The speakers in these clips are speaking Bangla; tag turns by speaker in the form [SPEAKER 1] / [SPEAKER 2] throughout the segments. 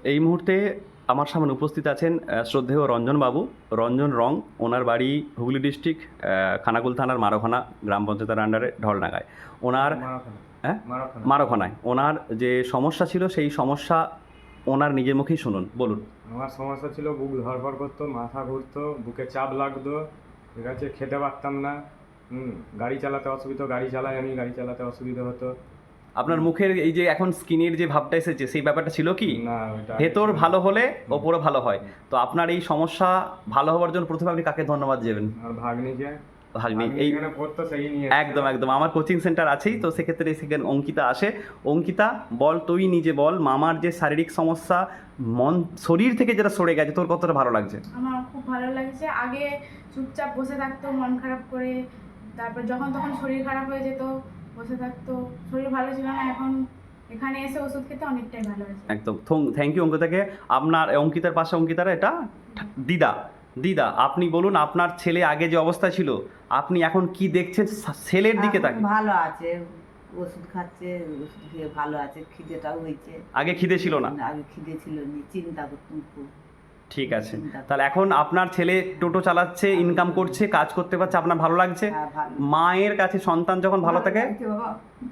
[SPEAKER 1] এই মুহূর্তে আমার সামনে উপস্থিত আছেন শ্রদ্ধেয় রঞ্জনবাবু, রঞ্জন রং। ওনার বাড়ি হুগলি ডিস্ট্রিক্ট খানাকুল থানার মারোখানা গ্রাম পঞ্চায়েতের আন্ডারে ঢলডাঙ্গায়। ওনার মারোখানায় ওনার যে সমস্যা ছিল সেই সমস্যা ওনার নিজের মুখেই শুনুন, বলুন।
[SPEAKER 2] আমার সমস্যা ছিল বুক ধরফর করতো, মাথা ঘুরতো, বুকে চাপ লাগতো, ঠিক আছে, খেতে পারতাম না, গাড়ি চালাতে অসুবিধা, গাড়ি চালাই আমি, গাড়ি চালাতে অসুবিধা হতো।
[SPEAKER 1] আপনার মুখের এই যে এখন স্কিনের যে ভাবটা এসেছে সেই ব্যাপারটা ছিল কি?
[SPEAKER 2] না,
[SPEAKER 1] ভেতর ভালো হলে ওপরে ভালো হয়। তো আপনার এই সমস্যা ভালো হওয়ার জন্য প্রথমে আপনি কাকে ধন্যবাদ দেবেন?
[SPEAKER 2] আর ভাগ্নিকে।
[SPEAKER 1] ভাগ্নি এই
[SPEAKER 2] পড়তো, সেই নিয়ে
[SPEAKER 1] একদম একদম আমার কোচিং সেন্টার আছেই, তো সেক্ষেত্রে সেখানে অঙ্কিতা আসে। অঙ্কিতা, বল, তুই নিজে বল, মামার যে শারীরিক সমস্যা মন শরীর থেকে যেটা সরে গেছে তোর কতটা ভালো লাগছে?
[SPEAKER 3] আমার খুব ভালো লাগছে। আগে চুপচাপ বসে থাকতো মন খারাপ করে, তারপর যখন তখন শরীর খারাপ হয়ে যেত, বসে থাকতো, শরীর ভালো ছিল না। এখন এখানে এসে ওষুধ খেতে অনেকটাই ভালো হয়েছে।
[SPEAKER 1] একদম থ্যাংক ইউ অঙ্কিতাকে। আপনার অঙ্কিতার পাশে অঙ্কিতার এটা দিদা। দিদা, আপনি বলুন আপনার ছেলে আগে যে অবস্থা ছিল আপনি এখন কি দেখছেন ছেলের দিকে তাকে?
[SPEAKER 4] ভালো আছে, ওষুধ খাচ্ছে, ওষুধ খেয়ে ভালো আছে, খিদেটাও হয়েছে।
[SPEAKER 1] আগে খিদে ছিল না?
[SPEAKER 4] আগে খিদে ছিল না, চিন্তা করতাম খুব।
[SPEAKER 1] ঠিক আছে, তাহলে এখন আপনার ছেলে টোটো চালাচ্ছে, ইনকাম করছে, কাজ করতে পারছে, আপনার ভালো লাগছে?
[SPEAKER 4] হ্যাঁ, ভালো।
[SPEAKER 1] মায়ের কাছে সন্তান যখন ভালো থাকে,
[SPEAKER 4] লাগছে বাবা।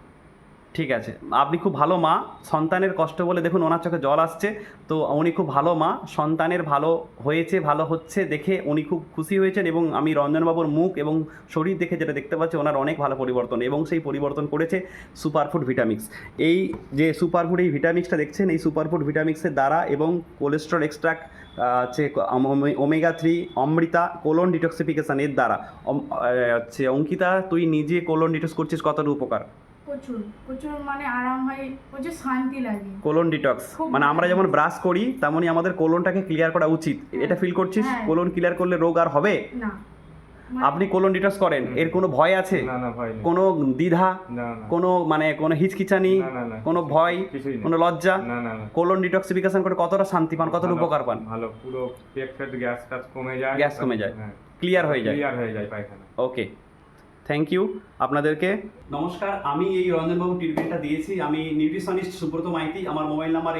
[SPEAKER 1] ঠিক আছে, আপনি খুব ভালো মা। সন্তানের কষ্ট বলে দেখুন ওনার চোখে জল আসছে। তো উনি খুব ভালো মা, সন্তানের ভালো হয়েছে, ভালো হচ্ছে দেখে উনি খুব খুশি হয়েছেন। এবং আমি রঞ্জনবাবুর মুখ এবং শরীর দেখে যেটা দেখতে পাচ্ছি ওনার অনেক ভালো পরিবর্তন, এবং সেই পরিবর্তন করেছে সুপারফুড ভিটামিক্স। এই যে সুপারফুড এই ভিটামিক্সটা দেখছেন, এই সুপারফুড ভিটামিক্সের দ্বারা এবং কোলেস্ট্রল এক্সট্রাক্ট হচ্ছে ওমেগা 3 অমৃতা কোলন ডিটক্সিফিকেশান এর দ্বারা হচ্ছে। অঙ্কিতা, তুই নিজে কোলন ডিটক্স করছিস, কতটা উপকার?
[SPEAKER 3] প্রচুর প্রচুর, মানে আরাম হয়, প্রচুর শান্তি লাগে।
[SPEAKER 1] কোলন ডিটক্স মানে আমরা যেমন ব্রাশ করি তেমনই আমাদের কোলনটাকে ক্লিয়ার করা উচিত। এটা ফিল করছিস? কোলন ক্লিয়ার করলে রোগ আর হবে
[SPEAKER 3] না।
[SPEAKER 1] আপনি কোলন ডিটক্স করেন, এর কোনো ভয় আছে?
[SPEAKER 2] না না, ভয় নেই।
[SPEAKER 1] কোনো দ্বিধা,
[SPEAKER 2] না না,
[SPEAKER 1] কোনো মানে কোনো হিচকিচানি,
[SPEAKER 2] না না না,
[SPEAKER 1] কোনো ভয়,
[SPEAKER 2] কিছুই নেই।
[SPEAKER 1] কোনো লজ্জা?
[SPEAKER 2] না না না,
[SPEAKER 1] কোলন ডিটক্সিফিকেশন করে কতটা শান্তি পান, কতটা উপকার পান?
[SPEAKER 2] ভালো, পুরো পেট ফেট গ্যাস ট্যাস কমে যায়,
[SPEAKER 1] গ্যাস কমে যায়,
[SPEAKER 2] হ্যাঁ,
[SPEAKER 1] ক্লিয়ার হয়ে যায়,
[SPEAKER 2] ক্লিয়ার হয়ে যায় পায়খানা।
[SPEAKER 1] ওকে, থ্যাংক ইউ আপনাদেরকে। নমস্কার, আমি এই রঞ্জনবাবু ট্রিটমেন্টটা দিয়েছি। আমি নিউট্রিশনিস্ট সুব্রত মাইতি। আমার মোবাইল নাম্বার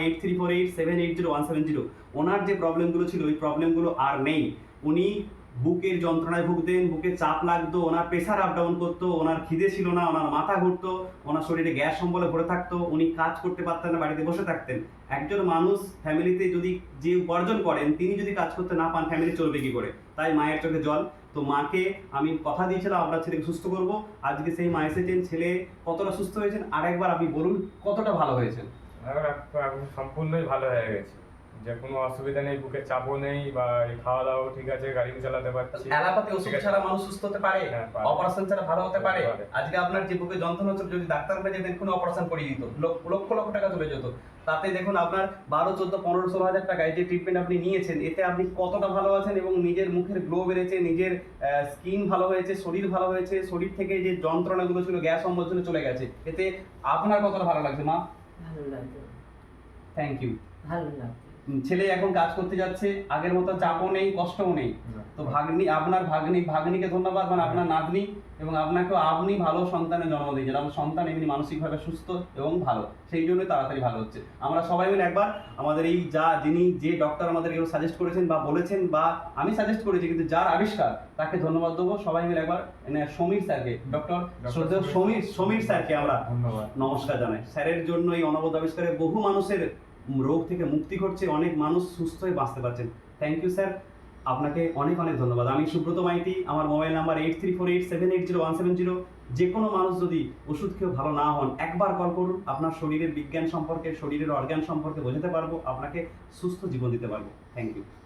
[SPEAKER 1] 8348780170। ওনার যে প্রবলেমগুলো ছিল ওই প্রবলেমগুলো আর নেই। উনি বুকের যন্ত্রণায় ভুগতেন, বুকে চাপ লাগতো, ওনার প্রেশার আপ ডাউন করতো, ওনার খিদে ছিল না, ওনার মাথা ঘুরতো, ওনার শরীরে গ্যাস সম্বলে ভরে থাকতো, উনি কাজ করতে পারতেন না, বাড়িতে বসে থাকতেন। একজন মানুষ ফ্যামিলিতে যদি যে উপার্জন করেন তিনি যদি কাজ করতে না পান ফ্যামিলি চলবে কি করে? তাই মায়ের চোখে জল। তো মাকে আমি কথা দিয়েছিলাম আপনার ছেলেকে সুস্থ করব, আজকে সেই মা এসেছেন। ছেলে কতটা সুস্থ হয়েছেন আরেকবার আপনি বলুন, কতটা ভালো হয়েছেন?
[SPEAKER 2] এখন সম্পূর্ণই ভালো হয়ে গেছে, যে কোনো অসুবিধা নেই, বুকের চাপও নেই, বা এই খাওয়া দাওয়া ঠিক আছে, গাড়ি চালাতে পারছি।
[SPEAKER 1] অ্যালোপ্যাথি ওষুধ ছাড়া মানুষ সুস্থ হতে পারে?
[SPEAKER 2] হ্যাঁ, পারে।
[SPEAKER 1] অপারেশন ছাড়া ভালো হতে পারে?
[SPEAKER 2] পারে।
[SPEAKER 1] আজকে আপনার যে বুকে যন্ত্রণা হচ্ছে যদি ডাক্তার কাছে যেতেন কোনো অপারেশন করিয়ে দিত, লক্ষ লক্ষ টাকা চলে যেত। তাতে দেখুন আপনার 12, 14, 15, 16 হাজার টাকা এই যে ট্রিটমেন্ট আপনি নিয়েছেন, এতে আপনি কতটা ভালো আছেন এবং নিজের মুখের গ্লো বেড়েছে, নিজের স্কিন ভালো হয়েছে, শরীর ভালো হয়েছে, শরীর থেকে যে যন্ত্রণাগুলো ছিল গ্যাস অম্বল ছিল চলে গেছে। এতে আপনার কতটা ভালো লাগছে মা?
[SPEAKER 4] ভালো লাগছে,
[SPEAKER 1] থ্যাংক ইউ।
[SPEAKER 4] ভালো লাগছে।
[SPEAKER 1] ছেলে এখন কাজ করতে যাচ্ছে, আগের মতো চাপও নেই, কষ্টও নেই। তো ভাগ্নি, আপনার ভাগ্নিকে ধন্যবাদ, মানে আপনার নাতনি, এবং আপনাকেও আপনি ভালো সন্তানের জন্ম দিয়েছেন। আমার সন্তান এমনি মানসিকভাবে সুস্থ এবং ভালো, সেই জন্যই তাড়াতাড়ি ভালো হচ্ছে। আমরা সবাই মিলে একবার আমাদের এই যিনি যে ডক্টর আমাদের এগুলো সাজেস্ট করেছেন বা বলেছেন, বা আমি সাজেস্ট করেছি কিন্তু যার আবিষ্কার, তাকে ধন্যবাদ দেবো। সবাই মিলে একবার সমীর স্যারকে, ডক্টর শ্রদ্ধেয় সমীর স্যারকে আমরা
[SPEAKER 2] ধন্যবাদ,
[SPEAKER 1] নমস্কার জানাই। স্যারের জন্য এই অনবদ্য আবিষ্কারে বহু মানুষের রোগ থেকে মুক্তি ঘটছে, অনেক মানুষ সুস্থ হয়ে বাঁচতে পারছেন। থ্যাংক ইউ স্যার, আপনাকে অনেক অনেক ধন্যবাদ। আমি সুব্রত মাইতি, আমার মোবাইল নাম্বার 8348780170। যে কোনো মানুষ যদি ওষুধ খেয়েও ভালো না হন একবার কল করুন, আপনার শরীরের বিজ্ঞান সম্পর্কে, শরীরের অর্গান সম্পর্কে বোঝাতে পারবো, আপনাকে সুস্থ জীবন দিতে পারবো। Thank you.